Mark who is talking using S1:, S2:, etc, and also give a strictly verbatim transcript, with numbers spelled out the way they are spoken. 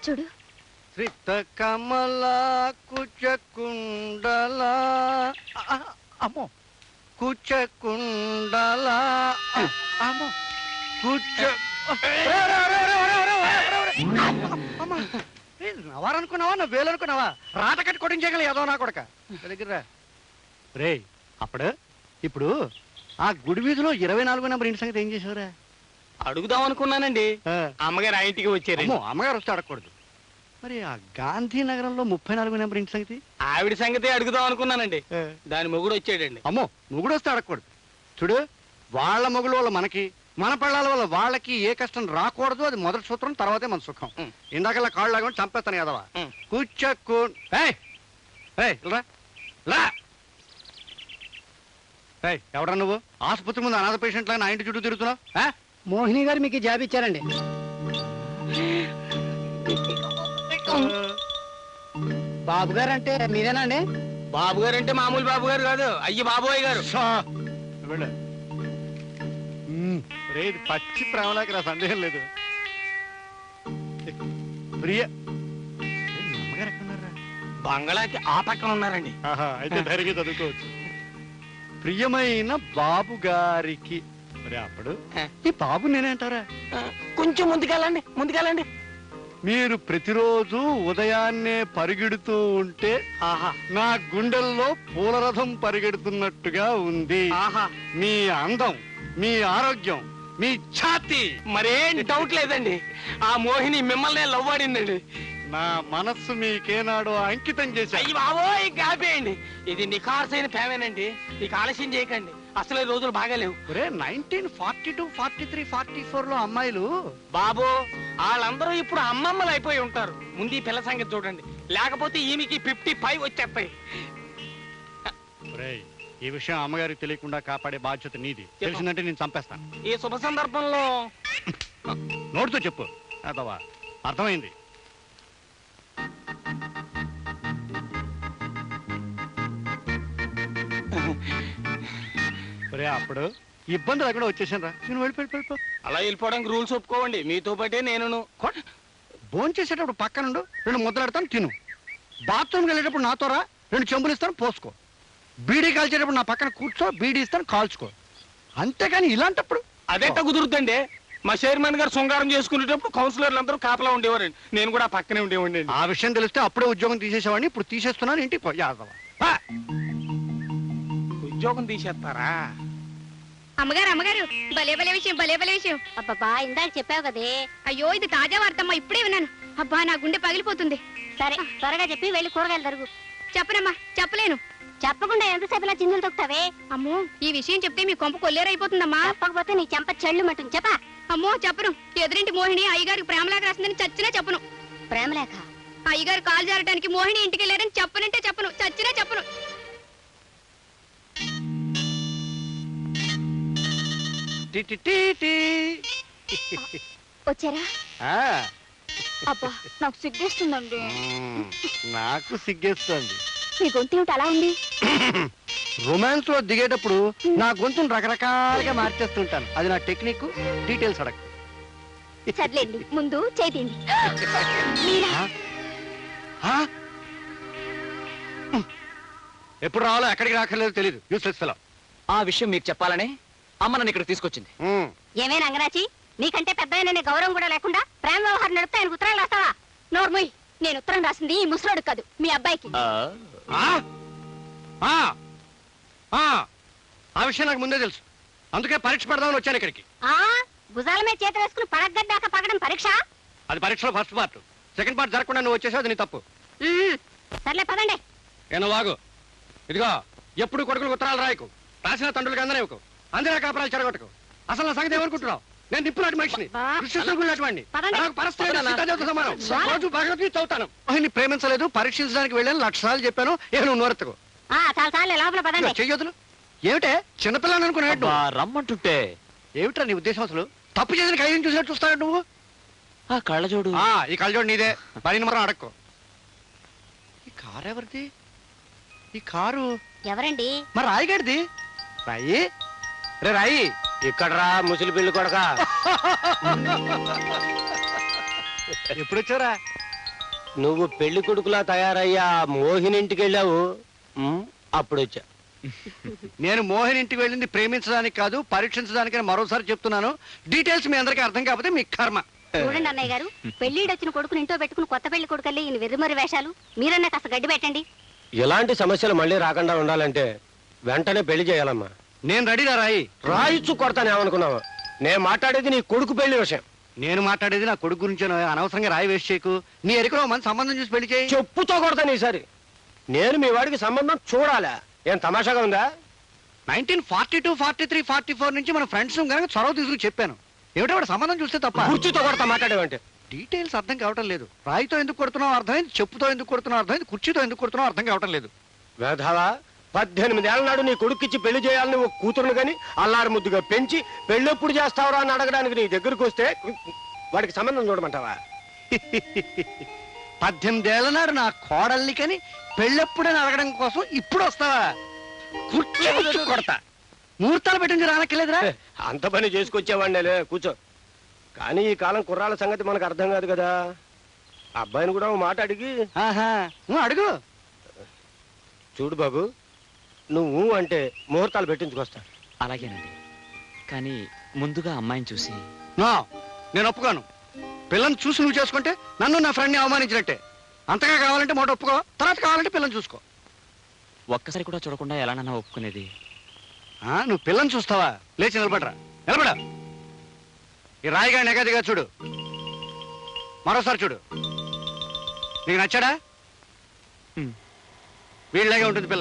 S1: చూడు.
S2: శ్రిత కమల కుచకుండల అమ్మో కుచకుండల అమ్మో కుచ నవారనుకున్నావా నా వేలనుకున్నావా రాట కట్టి కొట్టించగల ఏదో నా కొడక దగ్గర రే అప్పుడు ఇప్పుడు ఆ గుడి వీధిలో ఇరవై నాలుగు నెంబర్ ఇంటి సంగతి ఏం చేసావురా?
S3: అడుగుదాం అనుకున్నానండి. అమ్మగారు ఆ ఇంటికి వచ్చారు.
S2: అమ్మగారు వస్తే అడగకూడదు. మరి ఆ గాంధీనగరంలో ముప్పై నాలుగు నెంబర్ ఇంటి సంగతి?
S3: ఆవిడ సంగతి అడుగుదాం అనుకున్నానండి. దాని మొగుడు వచ్చాడండి.
S2: అమ్మో మొగుడు వస్తే అడగకూడదు. చూడు వాళ్ళ మొగుడు వల్ల మనకి, మన పళ్ళాల వల్ల వాళ్ళకి ఏ కష్టం రాకూడదు. అది మొదటి సూత్రం, తర్వాతే మన సుఖం. ఇందాకల్లా కాళ్ళు లాగా చంపేస్తాను కదవా. కూర్చోకు ఎవడా నువ్వు? ఆసుపత్రి ముందు అనాథ పేషెంట్ లాగా నా ఇంటి చుట్టూ తిరుగుతున్నావు.
S4: మోహిని గారు మీకు జాబ్ ఇచ్చారండి. బాబు గారు అంటే మీరేనండి?
S3: బాబు గారు అంటే మామూలు బాబు గారు కాదు, అయ్యి బాబోయ్ గారు.
S2: రేది పచ్చి ప్రేమలాకి నా సందేహం లేదు. ప్రియ అమ్మగారు ఎక్కడున్నారా?
S3: బంగళాకి ఆ పక్కన ఉన్నారండి.
S2: అయితే ధైర్యంగా చదువుకోవచ్చు. ప్రియమైన బాబు గారికి మరి అప్పుడు ఈ బాబు నేనేంటారా?
S3: కొంచెం ముందుకెళ్ళండి, ముందుకెళ్ళండి.
S2: మీరు ప్రతిరోజు ఉదయాన్నే పరిగెడుతూ ఉంటే ఆహా నా గుండెల్లో పూలరథం పరిగెడుతున్నట్టుగా ఉంది. ఆహా మీ అందం, మీ ఆరోగ్యం, మీ ఛాతి
S3: మరేం డౌట్ లేదండి. ఆ మోహిని మిమ్మల్ని లవ్ ఆడిందండి.
S2: నా మనస్సు మీకేనాడో అంకితం చేశాను.
S3: అయ్యి బాబోయ్ కాపేయండి. ఇది నిఖార్సైన ప్రేమేనండి. నీకు ఆలస్యం చేయకండి, అసలే రోజులు బాగాలేవు.
S2: Nineteen forty two forty three forty four లో అమ్మాయిలు
S3: బాబు వాళ్ళందరూ ఇప్పుడు అమ్మమ్మలు అయిపోయి ఉంటారు. ముందు ఈ పిల్ల సంగతి చూడండి, లేకపోతే ఈమెకి ఫిఫ్టీ ఫైవ్ వచ్చేస్తాయి.
S2: ఈ విషయం అమ్మగారికి తెలియకుండా కాపాడే బాధ్యత నీది. తెలిసిందంటే నేను చంపేస్తాను.
S3: ఈ శుభ సందర్భంలో
S2: నోటితో చెప్పు అదవా. అర్థమైంది. అప్పుడు ఇబ్బంది లేకుండా వచ్చేసాను రా. నేను వెళ్ళిపోయి వెళ్ళిపో.
S3: అలా వెళ్ళిపోవడానికి రూల్స్ ఒప్పుకోవండి. మీతో పాటే నేను
S2: భోజనం చేసేటప్పుడు పక్కనుండు, రెండు ముద్దలాడతాను తిను. బాత్రూమ్కి వెళ్ళేటప్పుడు నాతో రా, రెండు చెంబులు ఇస్తాను పోసుకో. బీడీ కాల్చేటప్పుడు నా పక్కన కూర్చో, బీడీ ఇస్తాను కాల్చుకో. అంతేకాని ఇలాంటప్పుడు
S3: అదేట కుదురుతుందండి. మా చైర్మన్ గారు శృంగారం చేసుకునేటప్పుడు కౌన్సిలర్లు అందరూ కాపలా ఉండేవారండి. నేను కూడా పక్కనే ఉండేవాడి.
S2: ఆ విషయం తెలిస్తే అప్పుడే ఉద్యోగం తీసేసేవాడిని. ఇప్పుడు తీసేస్తున్నాను. ఇంటికి యాదవ
S3: ఉద్యోగం తీసేస్తారా?
S1: అమ్మగారు అమ్మగారు భలే భలే విషయం, భలే భలే విషయం.
S5: అబ్బా ఇందాక చెప్పావు కదే.
S1: అయ్యో ఇది తాజా వార్తమ్మా, ఇప్పుడే విన్నాను. అబ్బా నా గుండె పగిలిపోతుంది.
S5: సరే త్వరగా చెప్పి వెళ్ళి కూరగాయలు తరుగు.
S1: చెప్పనమ్మా, చెప్పలేను.
S5: చెప్పకుండా ఎంతసేపు ఇలా చిందులు తొక్కుతావే?
S1: అమ్మో ఈ విషయం చెప్తే మీ కొంప కొల్లేరైపోతుందమ్మా.
S5: చెప్పకపోతే నీ చెంప చెళ్ళు మట్టు చెప్పా.
S1: అమ్మో చెప్పను. ఎదురింటి మోహిని అయ్యగారికి ప్రేమలేఖ రాసిందని చచ్చినా చెప్పను.
S5: ప్రేమలేఖ?
S1: అయ్యగారు కాలు జారడానికి మోహిని ఇంటికి వెళ్ళారని చెప్పనంటే చెప్పను, చచ్చినా చెప్పను.
S5: వచ్చారా? అబ్బా నాకు సిగ్గేస్తుందండి.
S2: నాకు సిగ్గేస్తుంది.
S5: మీ గొంతు ఏమిటి అలా ఉంది?
S2: రొమాన్స్ లో దిగేటప్పుడు నా గొంతును రకరకాలుగా మార్చేస్తుంటాను. అది నా టెక్నిక్. డీటెయిల్స్ అడగ.
S5: సర్లేండి ముందు చేతిండి.
S2: ఎప్పుడు రావాలో ఎక్కడికి రాకర్లేదో తెలియదు. Useless fellow.
S6: ఆ విషయం మీకు చెప్పాలనే అమ్మ నన్ను ఇక్కడ తీసుకొచ్చింది.
S5: ఏమే రంగరాచి, నీకంటే పెద్ద గౌరవం కూడా లేకుండా ప్రేమ వ్యవహారం నడిపితే ఆయనకు ఉత్తరాలు రాస్తావా? నోర్మోయ్, నేను ఉత్తరం రాసింది ఈ ముసలోడు కాదు, మీ అబ్బాయికి.
S2: ఆ విషయం నాకు ముందే తెలుసు. అందుకే పరీక్ష పెడదామని వచ్చాను ఇక్కడికి.
S5: ఆ భుజాల మీద చేతి వేసుకుని పడగడ్డాక పగడం పరీక్ష?
S2: అది పరీక్షలో ఫస్ట్ పార్ట్. సెకండ్ పార్ట్ జరగకుండా నువ్వు వచ్చేసావు, అది నీ తప్పు.
S5: సర్లే పదండి.
S2: ఏనో వాగు. ఇదిగో ఎప్పుడు కొడుకులకు ఉత్తరాలు రాయకు, రాసిన తండ్రులకి అందరేవకు, అందరే కాపరాలు చెడగొట్టకు. అసలు నా సంగతి ఏమనుకుంటున్నావు? నేను నిప్పులాంటి మనిషిని, వాడిని. రోజు భగవద్గీత చదువుతాను. ఆయన్ని ప్రేమించలేదు, పరీక్షించడానికి వెళ్ళాను, లక్షసార్లు చెప్పాను. ఏ నువ్వు నోరెత్తుకో. చెయ్యొద్దులు. ఏమిటే చిన్నపిల్లని అనుకున్నాడు?
S6: రమ్మంటుంటే
S2: ఏమిట్రా నీ ఉద్దేశం? అసలు తప్పు చేసిన ఖైదీని చూసినట్టు చూస్తాడు నువ్వు.
S6: ఆ కళ్ళజోడు,
S2: ఈ కళ్ళజోడు నీదే. పని మాత్రం అడక్కో. ఈ కారు ఎవరిది? ఈ కారు
S5: ఎవరండి?
S2: మరి రాయిగాడిది. రాయి రే రాయి.
S3: ఇక్కడ రా ముసలి పిల్లి కొడక.
S2: ఎప్పుడు వచ్చారా?
S7: నువ్వు పెళ్లి కొడుకులా తయారయ్యా మోహిని ఇంటికి వెళ్ళావు ఉమ్, అప్పుడు వచ్చా
S2: నేను మోహన్ ఇంటికి వెళ్ళింది ప్రేమించడానికి కాదు పరీక్షించడానికి మరోసారి చెప్తున్నాను. డీటెయిల్స్ మీ అందరికీ అర్థం కాకపోతే మీ కర్మ.
S5: చూడండి అన్నయ్య గారు, పెళ్లిడొచ్చిన కొడుకుని ఇంట్లో పెట్టుకుని కొత్త పెళ్లి కొడుకల్లి ఈయన వెర్రిమరి వేషాలు. మీరన్నా కాస్త గడ్డి పెట్టండి.
S7: ఇలాంటి సమస్యలు మళ్ళీ రాకుండా ఉండాలంటే వెంటనే పెళ్లి చేయాలమ్మా.
S2: నేను రెడీగా రాయి.
S7: రాయిచ్చు కొడతానేమనుకున్నావా? నేను మాట్లాడేది నీ కొడుకు పెళ్లి విషయం.
S2: నేను మాట్లాడేది నా కొడుకు గురించి. అనవసరంగా రాయి వేస్ట్ చేయకు. నీ ఎరికలో మంచి సంబంధం చూసి పెళ్లి చేయి.
S7: చెప్పుతో కొడతాను ఈసారి. నేను మీ వాడికి సంబంధం చూడాలా? ఏం తమాషాగా ఉందా?
S2: Nineteen forty two forty three forty four నుంచి మన ఫ్రెండ్స్ కనుక చొరవ తీసుకుని చెప్పాను. ఏమిటో వాడు సంబంధం చూస్తే తప్ప.
S7: కుర్చీతో కొడతా మాట్లాడేవంటే.
S2: డీటెయిల్స్ అర్థం కావటం లేదు. రాయితో ఎందుకు కొడుతున్నావు అర్థమైంది, చెప్పుతో ఎందుకు కొడుతున్నావు అర్థమైంది, కుర్చీతో ఎందుకు కొడుతున్నావు అర్థం కావటం లేదు.
S7: వేధావా, పద్దెనిమిది ఏళ్ళ నాడు నీ కొడుక్కిచ్చి పెళ్లి చేయాలని ఒక కూతురును గాని అల్లారు ముద్దుగా పెంచి పెళ్ళెప్పుడు చేస్తావురా అని అడగడానికి నీ దగ్గరకు వస్తే వాడికి సంబంధం చూడమంటావా?
S2: పద్దెనిమిదేళ్ల నాడు నా కోడల్ని కని పెళ్ళెప్పుడని అడగడం కోసం ఇప్పుడు వస్తావా? కుర్చీ కూర్చో కొడతా. ముహూర్తాలు పెట్టింది రానక్కర్లేదురా.
S7: అంత పని చేసుకొచ్చేవాడినేలే, కూర్చో. కానీ ఈ కాలం కుర్రాళ్ళ సంగతి మనకు అర్థం కాదు కదా. అబ్బాయిని కూడా ఓ మాట అడిగి.
S2: ఆహా, నువ్వు అడుగు.
S7: చూడు బాబు, నువ్వు అంటే ముహూర్తాలు పెట్టించుకొస్తా.
S6: అలాగేనండి, కానీ ముందుగా అమ్మాయిని చూసి.
S2: నో, నేను ఒప్పుకోను. పిల్లని చూసి నువ్వు చేసుకుంటే నన్ను నా ఫ్రెండ్ని అవమానించినట్టే. అంతగా కావాలంటే మాట ఒప్పుకో, తర్వాత కావాలంటే పిల్లని చూసుకో.
S6: ఒక్కసారి కూడా చూడకుండా ఎలానన్నా ఒప్పుకునేది?
S2: ఆ, నువ్వు పిల్లని చూస్తావా? లేచి నిలబడరా, నిలబడ. ఈ రాయిగా నెగదిగా చూడు, మరోసారి చూడు. నీకు నచ్చాడా?
S6: హ్మ్.
S2: వీళ్ళలాగే ఉంటుంది పిల్ల.